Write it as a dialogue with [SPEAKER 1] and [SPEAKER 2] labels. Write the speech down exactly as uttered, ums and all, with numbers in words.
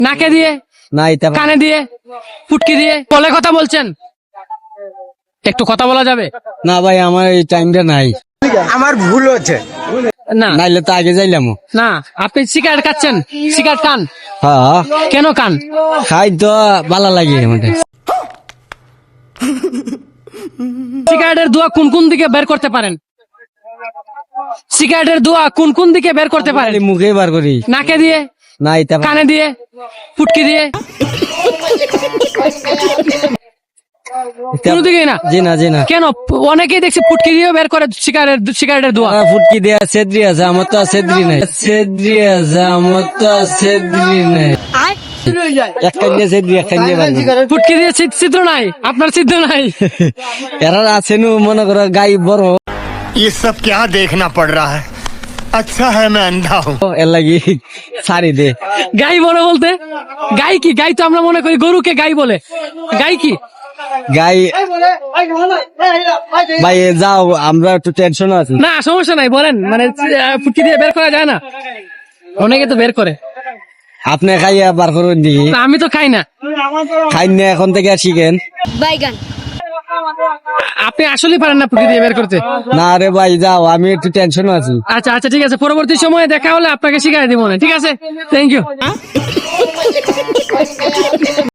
[SPEAKER 1] নাকে দিয়ে,
[SPEAKER 2] না এটা
[SPEAKER 1] কানে দিয়ে, ফুটকি দিয়ে, বলে কথা বলছেন? একটু কথা বলা যাবে?
[SPEAKER 2] না ভাই, আমার এই টাইমটা নাই,
[SPEAKER 3] আমার ভুল হচ্ছে।
[SPEAKER 1] না
[SPEAKER 2] নাইলে তো আগে যাইলাম।
[SPEAKER 1] না, আপনি সিগারেট খাচ্ছেন, সিগারেট খান
[SPEAKER 2] হ্যাঁ
[SPEAKER 1] কেন খান?
[SPEAKER 2] খাই তো ভালো লাগে আমাদের।
[SPEAKER 1] সিগারেটের ধোঁয়া কোন কোন দিকে বের করতে পারেন? সিগারেটের ধোঁয়া কোন কোন দিকে বের করতে পারেন?
[SPEAKER 2] মুখে বার করি।
[SPEAKER 1] নাকে দিয়ে,
[SPEAKER 2] না এটা
[SPEAKER 1] কানে দিয়ে, ফুটকি দিয়ে, কোনো দিকেই না?
[SPEAKER 2] জি না জি না।
[SPEAKER 1] কেন? অনেকেই দেখছি ফুটকি দিয়েও বের করে সিগারেট সিগারেটের ধোঁয়া।
[SPEAKER 2] আমার ফুটকি দেয়া সেদ্রি আছে, আমার তো আর সেদ্রি নাই। সেদ্রি আছে, আমার তো আর সেদ্রি নাই। এক কান্ডে সেদ্রি, এক কান্ডে বার করি।
[SPEAKER 1] ফুটকি দিয়ে ছিদ- ছিদ্র নাই, আপনার ছিদ্র নাই।
[SPEAKER 2] এরা আছে নু মনে করো গাই বড়,
[SPEAKER 3] ये सब क्या देखना पड़ रहा है? अच्छा है मैं अंधा हूँ।
[SPEAKER 2] এর লাগি সারি দে।
[SPEAKER 1] গাই বড় বলতে গাই কি? গাই তো আমরা মনে করি গরুকে গাই বলে। গাই কি?
[SPEAKER 2] গাই ভাই যাও, আমরা একটু টেনশন আছি।
[SPEAKER 1] না সমস্যা নাই, বলেন। মানে আহ, ফুটকি দিয়ে বের করা যায় না? অনেকে তো বের করে।
[SPEAKER 2] আপনি খাইয়া বার করুন দিকে।
[SPEAKER 1] না, আমি তো খাই না।
[SPEAKER 2] খাই না এখন থেকে আর শিখেন।
[SPEAKER 4] বাইগান
[SPEAKER 1] আপনি আসলেই পারেন না ফুটকি দিয়ে বের করতে?
[SPEAKER 2] না রে ভাই যাও, আমি একটু টেনশন আছি।
[SPEAKER 1] আচ্ছা আচ্ছা ঠিক আছে, পরবর্তী সময়ে দেখা হলে আপনাকে শিখাই দিব না, ঠিক আছে? Thank you.